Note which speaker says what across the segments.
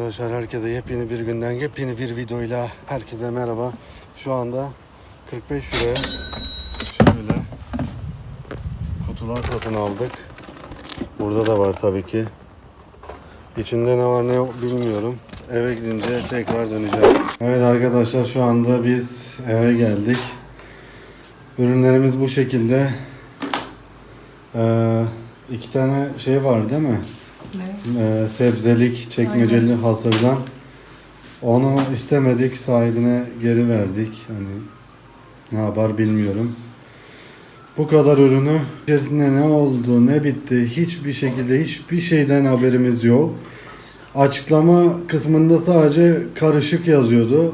Speaker 1: Arkadaşlar herkese yepyeni bir günden yepyeni bir videoyla herkese merhaba. Şu anda 45 liraya şöyle kutular satın aldık. Burada da var tabii ki. İçinde ne var ne yok bilmiyorum. Eve gidince tekrar döneceğim. Evet arkadaşlar şu anda biz eve geldik. Ürünlerimiz bu şekilde. İki tane şey var değil mi?
Speaker 2: Ne?
Speaker 1: Sebzelik çekmeceli hasırdan. Onu istemedik, sahibine geri verdik. Hani ne yapar bilmiyorum. Bu kadar ürünü içerisinde ne oldu, ne bitti hiçbir şekilde hiçbir şeyden haberimiz yok. Açıklama kısmında sadece karışık yazıyordu.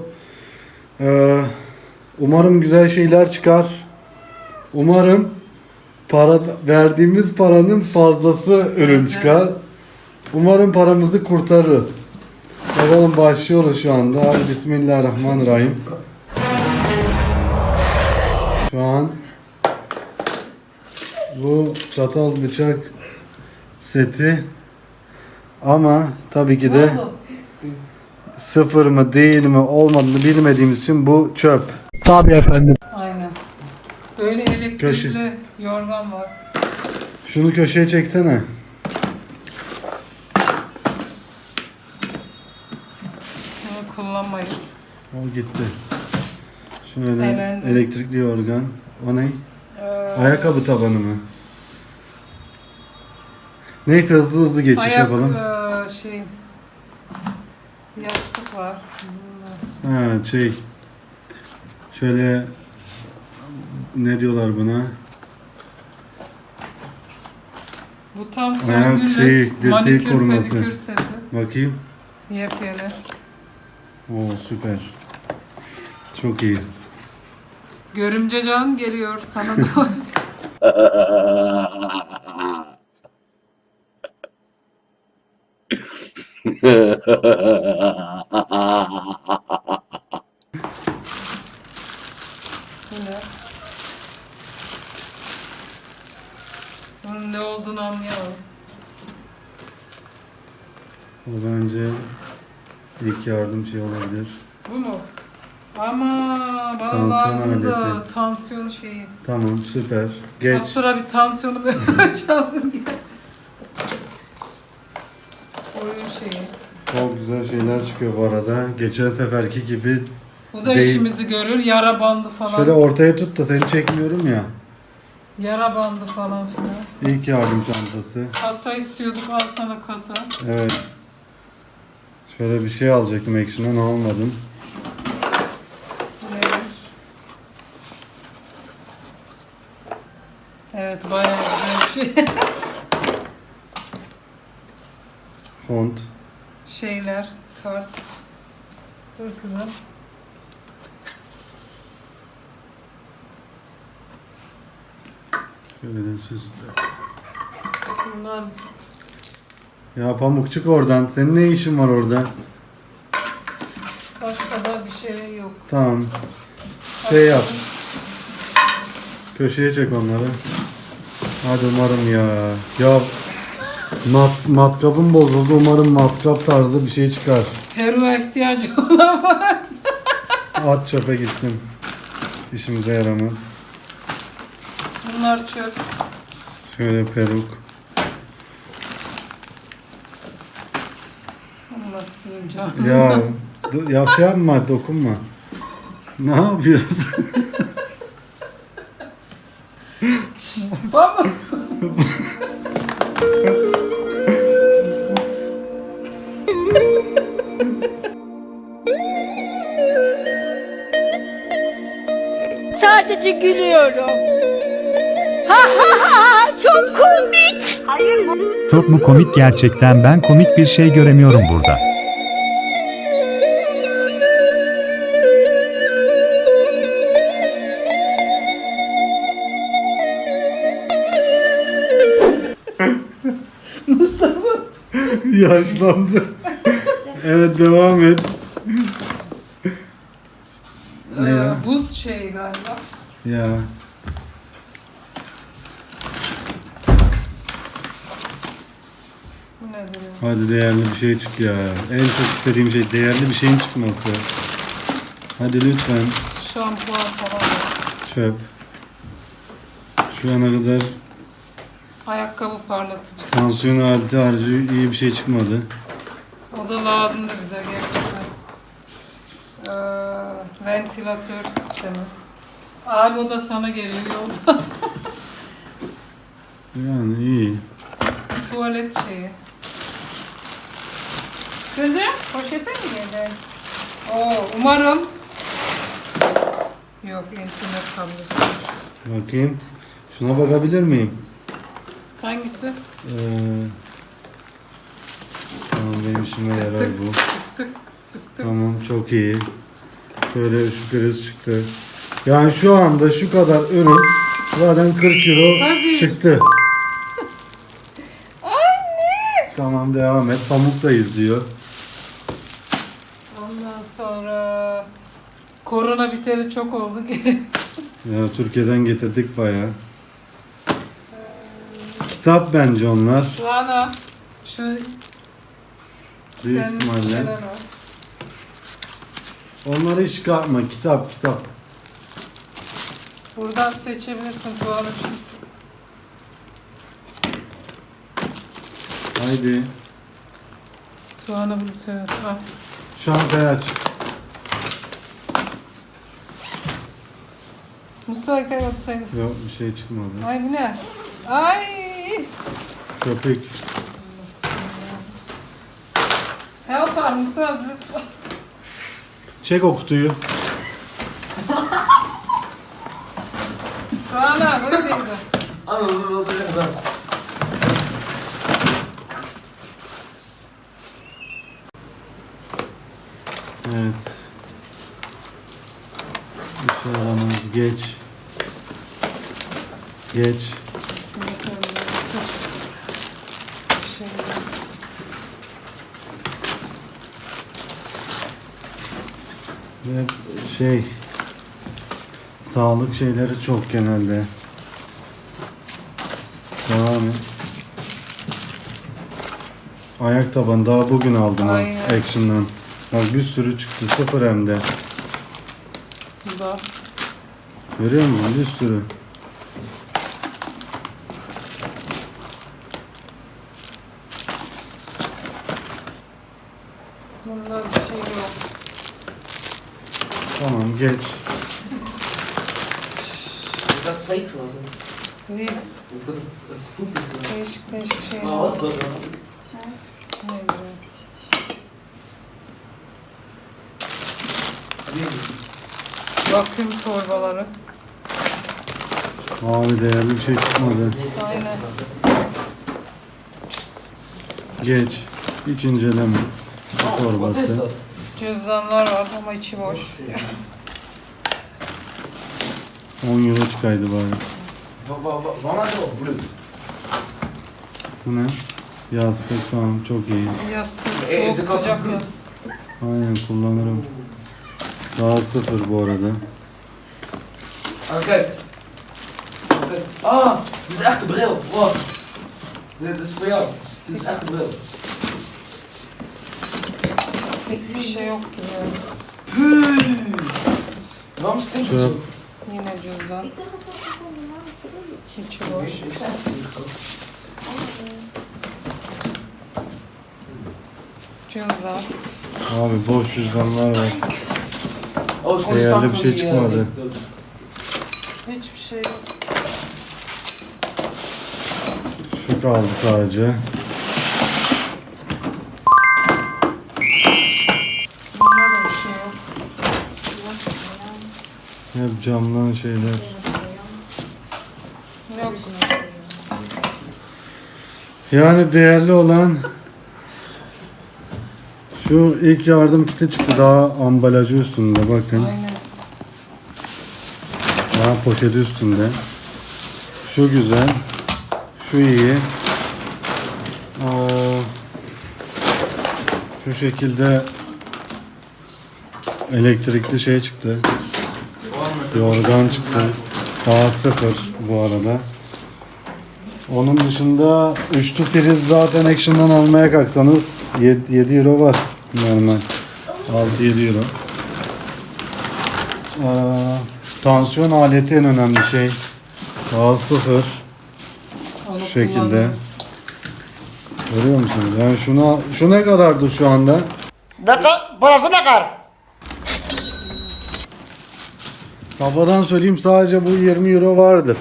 Speaker 1: Umarım güzel şeyler çıkar. Umarım verdiğimiz paranın fazlası ürün çıkar. Umarım paramızı kurtarırız. Bakalım başlıyoruz şu anda. Hadi Bismillahirrahmanirrahim. Şu an bu çatal bıçak seti ama tabii ki de sıfır mı değil mi olmadığını bilmediğimiz için bu çöp.
Speaker 3: Tabii efendim.
Speaker 2: Aynen. Böyle elektrikli yorgan var.
Speaker 1: Şunu köşeye çeksene.
Speaker 2: Bunu kullanmayız.
Speaker 1: O gitti. Şöyle
Speaker 2: Elendi.
Speaker 1: elektrikli yorgan. O ne? Ayakkabı tabanı mı? Neyse hızlı geçiş yapalım.
Speaker 2: Yastık var.
Speaker 1: Ha şöyle ne diyorlar buna?
Speaker 2: Bu tam
Speaker 1: Ayak
Speaker 2: Songül'le
Speaker 1: dirseği
Speaker 2: manikür
Speaker 1: koruması.
Speaker 2: pedikür seti.
Speaker 1: Bakayım.
Speaker 2: Yepyeni.
Speaker 1: Oo süper. Çok iyi.
Speaker 2: Görümce can geliyor sana doğru. Bu ne? Bunun ne olduğunu anlayamadım.
Speaker 1: O bence ilk yardım şey olabilir.
Speaker 2: Bu mu? Ama bana
Speaker 1: Tansiyon
Speaker 2: lazım da
Speaker 1: aleti.
Speaker 2: tansiyon şeyi.
Speaker 1: Tamam süper.
Speaker 2: Az
Speaker 1: Geç.
Speaker 2: sonra bir tansiyonumu ölçersin diye. Oyun şeyi.
Speaker 1: Çok güzel şeyler çıkıyor bu arada. Geçen seferki gibi.
Speaker 2: Bu da
Speaker 1: Değil.
Speaker 2: işimizi görür. Yara bandı falan.
Speaker 1: Şöyle ortaya tut da seni çekmiyorum ya.
Speaker 2: Yara bandı falan filan.
Speaker 1: İlk yardım çantası.
Speaker 2: Kasa istiyorduk. Al sana kasa.
Speaker 1: Evet. Şöyle bir şey alacaktım Action'dan almadım.
Speaker 2: Bu nedir? Evet bayağı güzel bir şey.
Speaker 1: Font.
Speaker 2: Şeyler. Kart. Dur kızım.
Speaker 1: Şöyle süsle.
Speaker 2: Bunlar
Speaker 1: Ya Pamuk çık oradan. Senin ne işin var orada?
Speaker 2: başka da bir şey yok.
Speaker 1: Tamam. Şey yap. Köşeye çek onları. Hadi umarım ya. Ya matkapım bozuldu. Umarım matkap tarzı bir şey çıkar.
Speaker 2: Peru'ya ihtiyacı olan varsa.
Speaker 1: At çöpe gitsin. İşimize yaramaz.
Speaker 2: Bunlar çöp.
Speaker 1: Şöyle peruk.
Speaker 2: Allah sizin canınıza.
Speaker 1: Ya ya şey yapma, dokunma. Ne yapıyorsun?
Speaker 2: Baba.
Speaker 4: Sadece gülüyorum. Ha ha ha çok komik.
Speaker 5: Çok mu komik gerçekten, ben komik bir şey göremiyorum burada.
Speaker 2: Mustafa.
Speaker 1: Yaşlandı. Evet devam et. Ne ya?
Speaker 2: Buz şeyi galiba.
Speaker 1: Ya.
Speaker 2: Bu nedir ya?
Speaker 1: Hadi değerli bir şey çık ya. En çok istediğim şey değerli bir şeyin çıkması. Hadi lütfen.
Speaker 2: Şampuan falan var.
Speaker 1: Çöp. Şu ana kadar
Speaker 2: Ayakkabı parlatıcı.
Speaker 1: tansiyon aleti harcı iyi bir şey çıkmadı.
Speaker 2: O da lazımdı bize gerçekten. Ventilatör sistemi. Abi o da sana geliyor yolda.
Speaker 1: Yani iyi.
Speaker 2: Tuvalet şeyi. Kızım poşete mi geldi? Oo, umarım. Yok, internet tableti.
Speaker 1: Bakayım. Şuna bakabilir miyim?
Speaker 2: Hangisi?
Speaker 1: Tamam benim işime yarar bu.
Speaker 2: Tık tık tık.
Speaker 1: Tamam çok iyi. Şöyle şu priz çıktı. Yani şu anda şu kadar ürün zaten 40 euro
Speaker 2: Tabii.
Speaker 1: çıktı. Tamam devam et. Pamuktayız diyor.
Speaker 2: Ondan sonra korona biteli çok oldu.
Speaker 1: Ya Türkiye'den getirdik bayağı. Kitap bence onlar.
Speaker 2: Rana şu
Speaker 1: Büyük
Speaker 2: senin
Speaker 1: ihtimalle.
Speaker 2: şeyler var.
Speaker 1: Onları hiç çıkartma. Kitap.
Speaker 2: Buradan seçebilirsin Tuğan'ın için.
Speaker 1: Haydi.
Speaker 2: Tuğan'ı bunu sever. Al.
Speaker 1: Şantayı aç.
Speaker 2: Mustafa'ya baksaydın.
Speaker 1: Yok bir şey çıkmadı.
Speaker 2: Ay bu ne? Ay!
Speaker 1: Köpük.
Speaker 2: Help var Mustafa zıt.
Speaker 1: Çek o kutuyu.
Speaker 2: Tuğan'a böyle değil.
Speaker 1: Evet. İnşallah geç. Ve sağlık şeyleri çok genelde. Devam et. Ayak tabanı daha bugün aldım ha,
Speaker 2: Aynen.
Speaker 1: Action'dan. Bak bir sürü çıktı, sıfır hem de.
Speaker 2: Bu da.
Speaker 1: Görüyor musun? Bir sürü.
Speaker 2: Bunda bir şey yok.
Speaker 1: Tamam geç.
Speaker 3: Is dat zweet geloof ik?
Speaker 2: Değil.
Speaker 3: Of dat poep is.
Speaker 2: Değişik şeyler.
Speaker 3: Maar wat is dat dan?
Speaker 2: Ne bileyim. Bakım torbaları.
Speaker 1: Abi değerli bir şey çıkmadı.
Speaker 2: Aynen.
Speaker 1: Geç. Hiç inceleme.
Speaker 3: Wat is
Speaker 1: Torbası.
Speaker 3: dat?
Speaker 2: Cüzdanlar var ama içi boş.
Speaker 1: 10 euro çıkaydı bari.
Speaker 3: Wanneer is dat? Bloed.
Speaker 1: Bu ne? Yastık tamam çok iyi.
Speaker 2: Yastık, soğuk sıcak yastık.
Speaker 1: Aynen kullanırım. Daha sıfır bu arada.
Speaker 3: Ah, kijk. Kijk. Ah, dit is echt de bril. Wow. Dit is voor jou. Dit is echt de bril.
Speaker 2: Hiçbir şey yok gibi yani.
Speaker 3: Waarom stinkt het zo?
Speaker 2: Yine cüzdan. İçi boş. Cüzdan.
Speaker 1: Abi boş cüzdanlar var.
Speaker 3: Oh, is gewoon
Speaker 1: Değerli
Speaker 3: stank
Speaker 1: bir
Speaker 3: van
Speaker 1: şey
Speaker 3: die,
Speaker 1: çıkmadı.
Speaker 3: die doos.
Speaker 2: Hiçbir şey yok.
Speaker 1: Şu kaldı sadece.
Speaker 2: Bunda da bir şey yok.
Speaker 1: Hep camdan şeyler.
Speaker 2: Yok.
Speaker 1: Yani değerli olan şu ilk yardım kiti çıktı, daha ambalajı üstünde bakın.
Speaker 2: Aynen.
Speaker 1: Daha poşeti üstünde. Şu güzel. Şu iyi. Şu şekilde elektrikli şey çıktı. Yorgan çıktı. Daha sıfır bu arada. Onun dışında üçlü priz zaten Action'dan almaya kalksanız 7 euro var normal. 6-7 euro. Tansiyon aleti en önemli şey. Daha sıfır.
Speaker 2: Onu
Speaker 1: Şu şekilde.
Speaker 2: kullanıyorum.
Speaker 1: Görüyor musunuz? Yani şu ne kadardır şu anda?
Speaker 6: Burası ne kadar?
Speaker 1: Kafadan söyleyeyim sadece bu 20 euro vardır.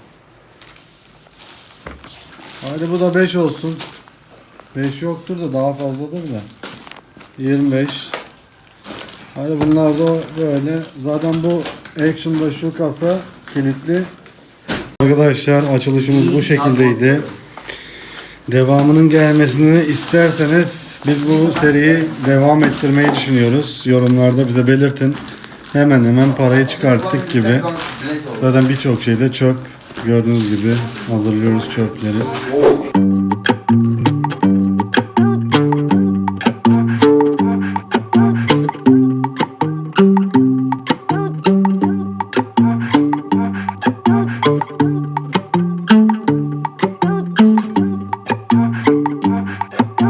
Speaker 1: Hadi bu da 5 olsun. 5 yoktur da daha fazladır da. 25. Hadi bunlar da böyle. Zaten bu Action'da şu kasa kilitli. Arkadaşlar açılışımız bu şekildeydi. Devamının gelmesini isterseniz biz bu seriyi devam ettirmeyi düşünüyoruz. Yorumlarda bize belirtin. Hemen parayı çıkarttık gibi. Zaten birçok şeyde çöp. Gördüğünüz gibi hazırlıyoruz çöpleri.